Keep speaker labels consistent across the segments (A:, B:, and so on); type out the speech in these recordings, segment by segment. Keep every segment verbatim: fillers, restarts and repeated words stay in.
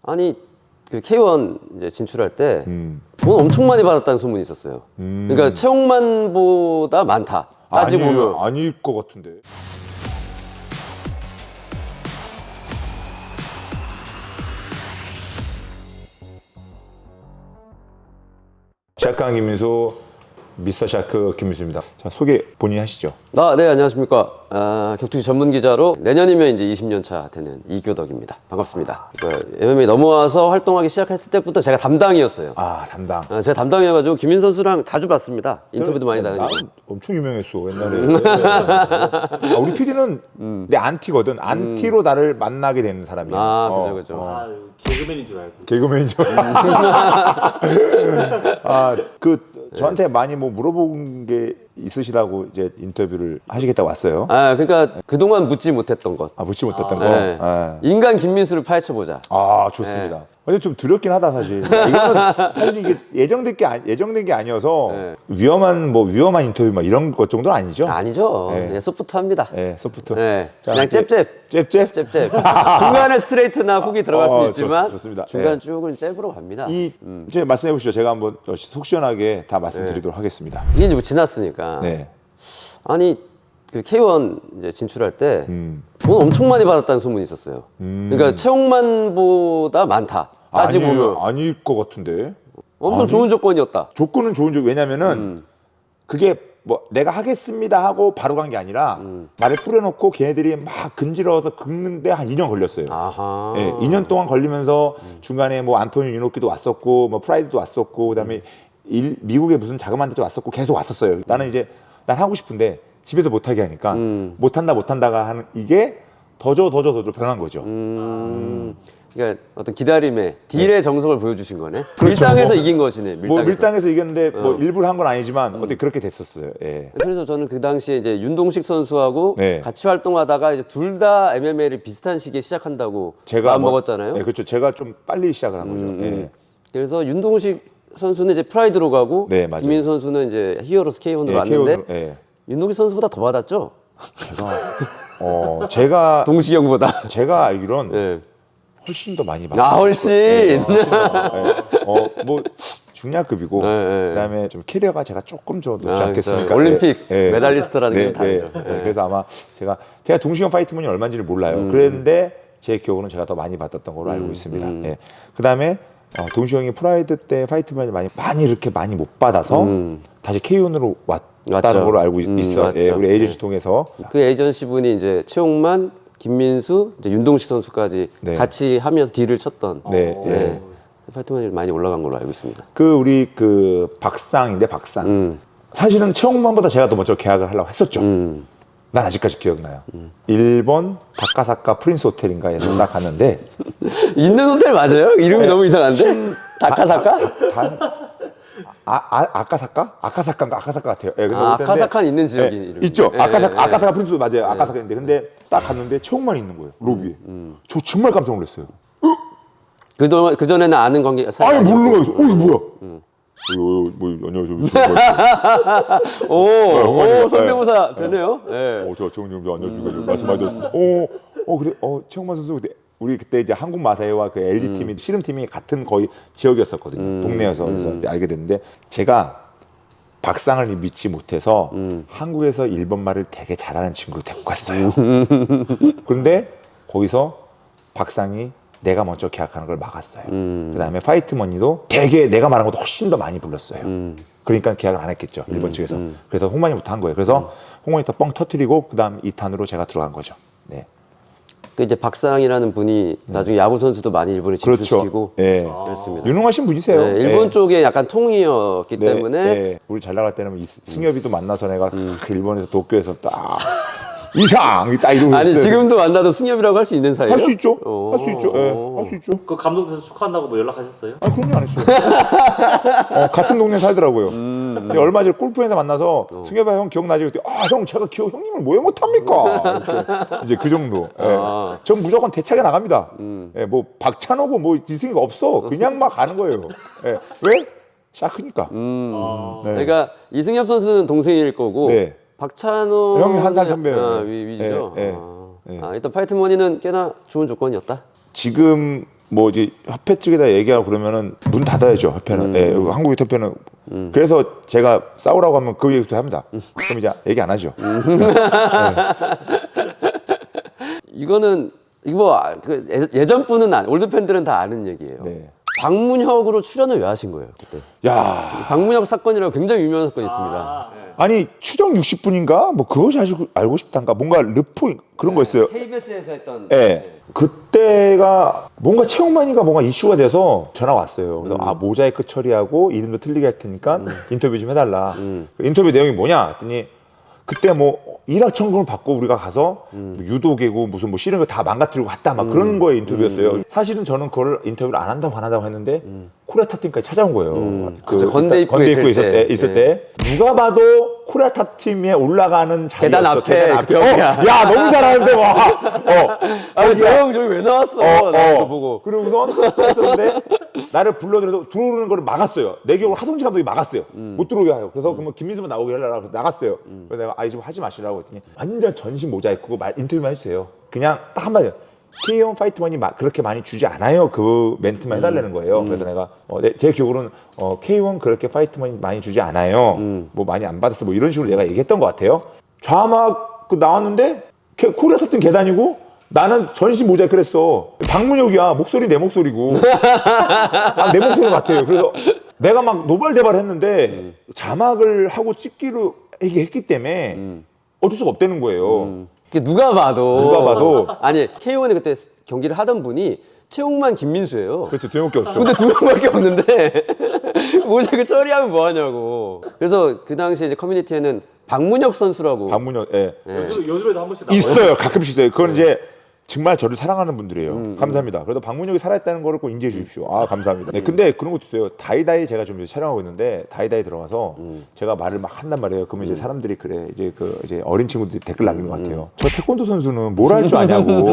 A: 아니 그 케이원 이제 진출할 때 돈
B: 음.
A: 엄청 많이 받았다는 소문이 있었어요.
B: 음.
A: 그러니까 채용만보다 많다. 따지고
B: 아니,
A: 보면
B: 아닐 것 같은데. 샤크한 김민수, 미스터 샤크 김민수입니다. 자, 소개 본인이 하시죠.
A: 아, 네, 안녕하십니까. 아, 격투기 전문 기자로 내년이면 이제 이십 년 차 되는 이교덕입니다. 반갑습니다. 그 엠엠에이 넘어와서 활동하기 시작했을 때부터 제가 담당이었어요.
B: 아, 담당.
A: 아, 제가 담당이어가지고 김민 선수랑 자주 봤습니다. 인터뷰도 많이
B: 나
A: 다니고.
B: 엄청 유명했어 옛날에. 아, 우리 피디는 내 안티거든. 안티로 나를 만나게 되는 사람이야.
A: 아,
B: 어,
A: 그죠, 그죠.
B: 어.
C: 아, 개그맨인 줄 알고.
B: 개그맨이죠. 아, 그 저한테 많이 뭐 물어본 게 있으시다고 이제 인터뷰를 하시겠다고 왔어요.
A: 아, 그러니까 그동안 묻지 못했던 것.
B: 아, 묻지 못했던 거.
A: 네.
B: 아,
A: 인간 김민수를 파헤쳐보자.
B: 아, 좋습니다. 근데 좀 두렵긴 하다 사실. 이거는 사실 이게 예정된 게 아니, 예정된 게 아니어서
A: 네.
B: 위험한 뭐 위험한 인터뷰 막 이런 것 정도는 아니죠.
A: 아니죠.
B: 네.
A: 그냥 소프트합니다.
B: 네, 소프트.
A: 네.
B: 자,
A: 그냥
B: 이제
A: 잽잽.
B: 잽잽.
A: 잽잽. 중간에 스트레이트나 훅이 들어갈 수도
B: 어,
A: 있지만
B: 좋- 좋습니다.
A: 중간
B: 예.
A: 쭉은 잽으로 갑니다.
B: 이 이제 말씀해 보시죠. 제가 한번 속 시원하게 다 말씀드리도록 하겠습니다.
A: 이게 이제 뭐 지났으니까.
B: 네.
A: 아니 그 케이원 이제 진출할 때 돈
B: 음.
A: 엄청 많이 받았다는 소문이 있었어요. 그러니까 채용만보다 많다. 따지고
B: 아니,
A: 보면
B: 아닐 것 같은데.
A: 엄청
B: 아니?
A: 좋은 조건이었다.
B: 조건은 좋은 조 왜냐면은 그게 뭐 내가 하겠습니다 하고 바로 간 게 아니라 말을 뿌려놓고 걔네들이 막 근지러워서 긁는데 한 이 년 걸렸어요.
A: 아하.
B: 예, 이 년 동안 걸리면서 중간에 뭐 안토니 유노키도 왔었고 뭐 프라이드도 왔었고 그다음에 일, 미국에 무슨 자그마한 데도 왔었고 계속 왔었어요. 나는 이제 난 하고 싶은데 집에서 못하게 하니까 못한다 못한다가 하는 이게 더줘 더줘 더줘 변한 거죠.
A: 음. 그러니까 어떤 기다림의 딜의 정석을 보여주신 거네.
B: 그렇죠.
A: 밀당에서
B: 뭐,
A: 이긴 것이네. 밀당에서.
B: 뭐 밀당에서 이겼는데 뭐 일부러 한 건 아니지만 어떻게 그렇게 됐었어요. 예.
A: 그래서 저는 그 당시에 이제 윤동식 선수하고
B: 네.
A: 같이 활동하다가 이제 둘 다 엠엠에이를 비슷한 시기에 시작한다고
B: 제가
A: 마음
B: 뭐-
A: 먹었잖아요.
B: 네, 그렇죠. 제가 좀 빨리 시작을 한 거죠.
A: 음,
B: 예.
A: 음. 그래서 윤동식 선수는 이제 프라이드로 가고
B: 네, 맞아요.
A: 김민 선수는 이제 히어로스 케이원으로
B: 예,
A: 왔는데
B: 케이오는- 예.
A: 윤동식 선수보다 더 받았죠?
B: 제가 어 제가
A: 동식이 형보다.
B: 제가 알기론
A: 네.
B: 훨씬 더 많이 받았어요.
A: 아 훨씬.
B: 예, 어뭐 중량급이고
A: 네, 네.
B: 그다음에 좀 캐리어가 제가 조금 더 높지
A: 아,
B: 않겠습니까?
A: 그렇죠. 올림픽
B: 예, 예.
A: 메달리스트라는 게
B: 네,
A: 다르죠.
B: 네.
A: 예.
B: 그래서 아마 제가 제가 동시형 파이트문이 얼마인지를 몰라요.
A: 음.
B: 그랬는데 제 기억으로는 제가 더 많이 받았던 걸로 알고 있습니다.
A: 음.
B: 예. 그다음에 어, 동시형이 프라이드 때 파이트문을 많이 많이 이렇게 많이 못 받아서 다시 케이온으로 왔다는
A: 음. 맞죠.
B: 걸로 알고
A: 음,
B: 있어. 예,
A: 맞죠.
B: 우리 에이전시 통해서.
A: 그 에이전시 분이 이제 최용만, 김민수, 이제 윤동식 선수까지
B: 네.
A: 같이 하면서 딜을 쳤던.
B: 네, 예.
A: 네. 파이트만이 많이 올라간 걸로 알고 있습니다.
B: 그 우리 그 박상인데 박상.
A: 음.
B: 사실은 최홍만보다 제가 더 먼저 계약을 하려고 했었죠.
A: 음.
B: 난 아직까지 기억나요. 일본 다카사카 프린스 호텔인가에 딱 갔는데
A: 있는 호텔 맞아요? 이름이
B: 네.
A: 너무 이상한데? 다카사카?
B: 단, 아, 아, 아카사카? 아카사카인가 아카사카 같아요. 예, 근데
A: 아,
B: 그때인데-
A: 아카사카는 있는 지역이
B: 예,
A: 이름이.
B: 있죠.
A: 예,
B: 아카사카,
A: 예, 예.
B: 아카사카 프린스 맞아요. 아카사카인데 근데 딱 갔는데 최홍만이 있는 거예요. 로비에.
A: 음,
B: 저 정말 깜짝 놀랐어요.
A: 그동안 그 전에는 아는 관계 사이
B: 아예
A: 아니었고.
B: 모르는 거예요. 어 이거 뭐야?
A: 음.
B: 어, 어, 뭐 안녕하세요.
A: 오,
B: 홍만이가-
A: 오, 성대모사 되네요. 예.
B: 어, 저 정영주 안녕하십니까. 말씀 많이 들었습니다. 어, 어 그래. 어 최홍만 선수 그때 우리 그때 이제 한국 마사회와 그 엘지
A: 음.
B: 팀이 씨름 팀이 같은 거의 지역이었었거든요. 동네여서 그래서 그때 알게 됐는데 제가 박상을 믿지 못해서
A: 음.
B: 한국에서 일본 말을 되게 잘하는 친구를 데리고 갔어요. 근데 거기서 박상이 내가 먼저 계약하는 걸 막았어요.
A: 음.
B: 그다음에 파이트머니도 되게 내가 말한 것도 훨씬 더 많이 불렀어요. 그러니까 계약을 안 했겠죠. 일본 측에서. 그래서 홍만이부터 한 거예요. 그래서 홍만이 뻥 터뜨리고 그다음 이 탄으로 제가 들어간 거죠. 네.
A: 그 이제 박상이라는 분이 나중에 야구 선수도 많이 일본에
B: 그렇죠.
A: 진출시키고
B: 예.
A: 그랬습니다.
B: 유능하신 분이세요.
A: 네, 일본
B: 예.
A: 쪽에 약간 통이었기
B: 네,
A: 때문에
B: 네. 우리 잘 나갈 때는 이 승엽이도 만나서 내가 그 일본에서 도쿄에서 딱 이상 딱 이러고
A: 아니
B: 있어요.
A: 지금도 만나도 승엽이라고 할 수 있는 사이예요?
B: 할 수 있죠.
A: 오.
B: 할 수 있죠. 예, 할 수 있죠.
C: 그 감독님께서 축하한다고 뭐 연락하셨어요?
B: 아, 그런 거 안 했어요. 어, 같은 동네 살더라고요. 근데 얼마 전에 골프에서 만나서 승엽아 형 기억나지? 그때 아, 형 제가 기억 형님을 뭐해 못합니까? 이렇게 이제 그 정도. 예.
A: 아.
B: 전 무조건 대차게 나갑니다. 예, 뭐 박찬호고 뭐 지승이가 없어. 그냥 막 가는 거예요. 예. 왜? 샤크니까.
C: 아,
B: 네.
A: 그러니까 이승엽 선수는 동생일 거고
B: 네.
A: 박찬호
B: 형이 한살 선배예요.
A: 아, 위, 위죠.
B: 네, 네,
A: 아.
B: 네.
A: 아, 일단 파이트머니는 꽤나 좋은 조건이었다.
B: 지금 뭐 이제 협회 측에다 얘기하고 그러면은 문 닫아야죠 협회는.
A: 음.
B: 예, 한국 협회는. 음. 그래서 제가 싸우라고 하면 그 얘기부터 합니다. 음. 그럼 이제 얘기 안 하죠. 음.
A: 이거는 이거 뭐, 아, 그 예- 예전 분은 안, 올드 팬들은 다 아는 얘기예요.
B: 네.
A: 박문혁으로 출연을 왜 하신 거예요 그때?
B: 야,
A: 박문혁 사건이라고 굉장히 유명한 사건이 있습니다.
C: 아, 네.
B: 아니 추정 육십 분인가 뭐 그것이 알고, 알고 싶단가 뭔가 르포 그런 거 있어요.
A: 케이비에스에서 했던.
B: 예. 그때가 뭔가 채용만이가 뭔가 이슈가 돼서 전화 왔어요. 그래서 아 모자이크 처리하고 이름도 틀리게 할 테니까 인터뷰 좀 해달라. 그 인터뷰 내용이 뭐냐 했더니 그때 뭐 일확천금을 받고 우리가 가서 뭐 유도계고 무슨 뭐 싫은 거 다 망가뜨리고 왔다 막 그런 거에 인터뷰였어요. 사실은 저는 그걸 인터뷰를 안 한다고 안 한다고 했는데 코리아 탑팀까지 찾아온 거예요. 그
A: 그쵸, 건대 입구에
B: 건대 입구에
A: 있을
B: 있을
A: 때.
B: 때, 있을
A: 예.
B: 때 누가 봐도 코리아 탑팀에 올라가는 자리였어.
A: 계단 앞에
B: 계단 앞에.
A: 그
B: 어,
A: 벽이야.
B: 야 너무 잘하는데 와. 어.
A: 아, 저형 저기 왜 나왔어?
B: 어,
A: 나
B: 어.
A: 이거 보고.
B: 그러고선 했었는데 나를 불러들여서 들어오는 거를 막았어요. 내 기억으로 하동지 감독이 막았어요. 못 들어오게 하요. 그래서 그러면 김민수만 나오게 하려고 그래서 나갔어요. 그래서 내가 아이 좀 하지 마시라고 했더니 완전 전신 모자이크고 말- 인터뷰만 해주세요. 그냥 딱 한마디. 케이원 파이트머니 마- 그렇게 많이 주지 않아요. 그 멘트만 해달라는 거예요. 그래서 내가 어, 내, 제 기억으로는 어, 케이원 그렇게 파이트머니 많이 주지 않아요. 뭐 많이 안 받았어. 뭐 이런 식으로 내가 얘기했던 것 같아요. 좌막 그 나왔는데 게- 코리아 섰던 계단이고 나는 전신 모자이크를 했어. 박문혁이야. 목소리 내 목소리고. 아, 내 목소리 같아요. 그래서 내가 막 노발대발 했는데 자막을 하고 찍기로 얘기했기 때문에 어쩔 수가 없다는 거예요.
A: 그 누가 봐도.
B: 누가 봐도.
A: 아니 케이원이 그때 경기를 하던 분이 최홍만 김민수예요.
B: 그렇죠. 두 명밖에 없죠.
A: 근데 두 명밖에 없는데 모자이크 처리하면 뭐 하냐고. 그래서 그 당시에 이제 커뮤니티에는 박문혁 선수라고.
B: 박문혁, 예.
C: 요즘, 요즘에도 한 번씩 나와요.
B: 있어요. 가끔씩 있어요. 그건 이제 정말 저를 사랑하는 분들이에요. 감사합니다. 그래도 박문혁이 살아있다는 거를 꼭 인지해 주십시오. 아, 감사합니다. 네, 근데 그런 것도 있어요. 다이다이 제가 좀 촬영하고 있는데 다이다이 들어가서 제가 말을 막 한단 말이에요. 그러면 이제 사람들이 그래 이제 그 이제 어린 친구들이 댓글 남기는 것 같아요. 저 태권도 선수는 뭘 할 줄 아냐고.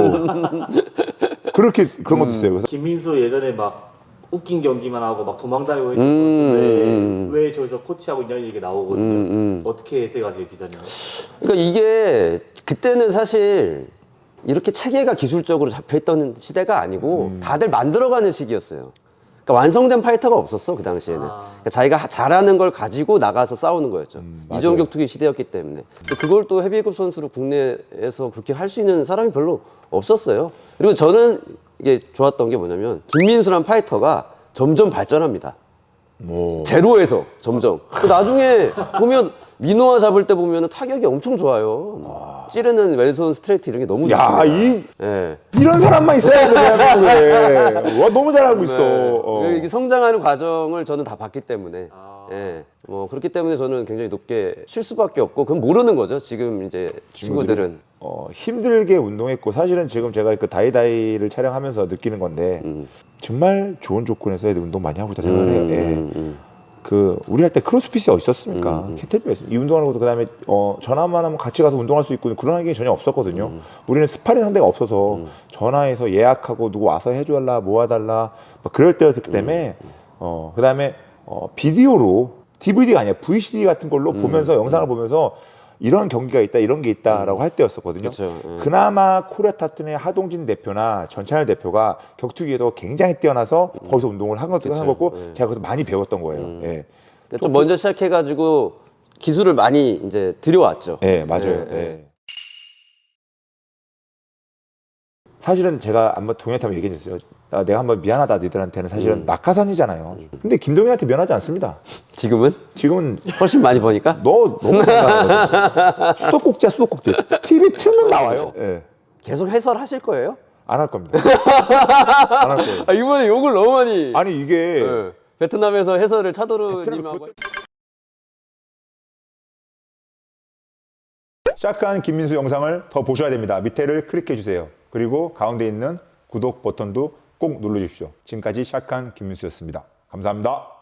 B: 그렇게 그런 것도 있어요. 그래서
C: 김민수 예전에 막 웃긴 경기만 하고 막 도망다니고 했던
A: 음,
C: 선수인데
A: 음.
C: 왜 저기서 코치하고 있냐 이게 나오거든요.
A: 음,
C: 어떻게 해석하세요 기자님?
A: 그러니까 이게 그때는 사실 이렇게 체계가 기술적으로 잡혀있던 시대가 아니고 다들 만들어가는 시기였어요. 그러니까 완성된 파이터가 없었어 그 당시에는.
C: 아.
A: 그러니까 자기가 하- 잘하는 걸 가지고 나가서 싸우는 거였죠.
B: 맞아요.
A: 이종격투기 시대였기 때문에. 근데 그걸 또 헤비급 선수로 국내에서 그렇게 할 수 있는 사람이 별로 없었어요. 그리고 저는 이게 좋았던 게 뭐냐면 김민수란 파이터가 점점 발전합니다.
B: 뭐
A: 제로에서 점점. 그 나중에 보면 민호와 잡을 때 보면 타격이 엄청 좋아요. 찌르는 왼손 스트레이트 이런 게 너무 좋습니다.
B: 야, 이
A: 예.
B: 이런 사람만 있어야 돼 대한민국에. 와 너무 잘하고 있어.
A: 네.
B: 어.
A: 이게 성장하는 과정을 저는 다 봤기 때문에.
C: 아.
A: 예. 뭐 그렇기 때문에 저는 굉장히 높게 칠 수밖에 없고 그건 모르는 거죠. 지금 이제 친구들은.
B: 어, 힘들게 운동했고 사실은 지금 제가 그 다이다이를 촬영하면서 느끼는 건데 정말 좋은 조건에서 애들 운동 많이 하고 있다 생각해요. 예. 그 우리 할 때 크로스핏이 어디 있었습니까? 캐틀벨 이 운동하는 것도 그다음에 어, 전화만 하면 같이 가서 운동할 수 있고 그런 게 전혀 없었거든요. 우리는 스파링 상대가 없어서 전화해서 예약하고 누구 와서 해줘달라 모아달라 막 그럴 때였기 때문에 어, 그다음에 어, 비디오로 디브이디가 아니야 브이씨디 같은 걸로 보면서 영상을 보면서 이런 경기가 있다 이런 게 있다라고 할 때였었거든요.
A: 그쵸, 예.
B: 그나마 코리아 타튼의 하동진 대표나 전찬열 대표가 격투기에도 굉장히 뛰어나서 거기서 운동을 한 것도 한 거고 제가 거기서 많이 배웠던 거예요. 예.
A: 그러니까 좀 먼저 시작해가지고 기술을 많이 이제 들여왔죠.
B: 예, 맞아요.
A: 예,
B: 예. 사실은 제가 한번 동현한테 얘기했어요. 아, 내가 한번 미안하다 너희들한테는 사실은 낙하산이잖아요. 근데 김동현한테 미안하지 않습니다.
A: 지금은
B: 지금은
A: 훨씬 많이 버니까.
B: 너 너무 잘나가거든. 수도꼭지야 수도꼭지. 티비 틀면 나와요. 예.
A: 계속 해설하실 거예요?
B: 안 할 겁니다. 안 할 거예요.
A: 아, 이번에 욕을 너무 많이.
B: 아니 이게
A: 예. 베트남에서 해설을 차도르님하고.
B: 베트남 시작한 김민수 영상을 더 보셔야 됩니다. 밑에를 클릭해 주세요. 그리고 가운데 있는 구독 버튼도 꼭 눌러주십시오. 지금까지 시작한 김민수였습니다. 감사합니다.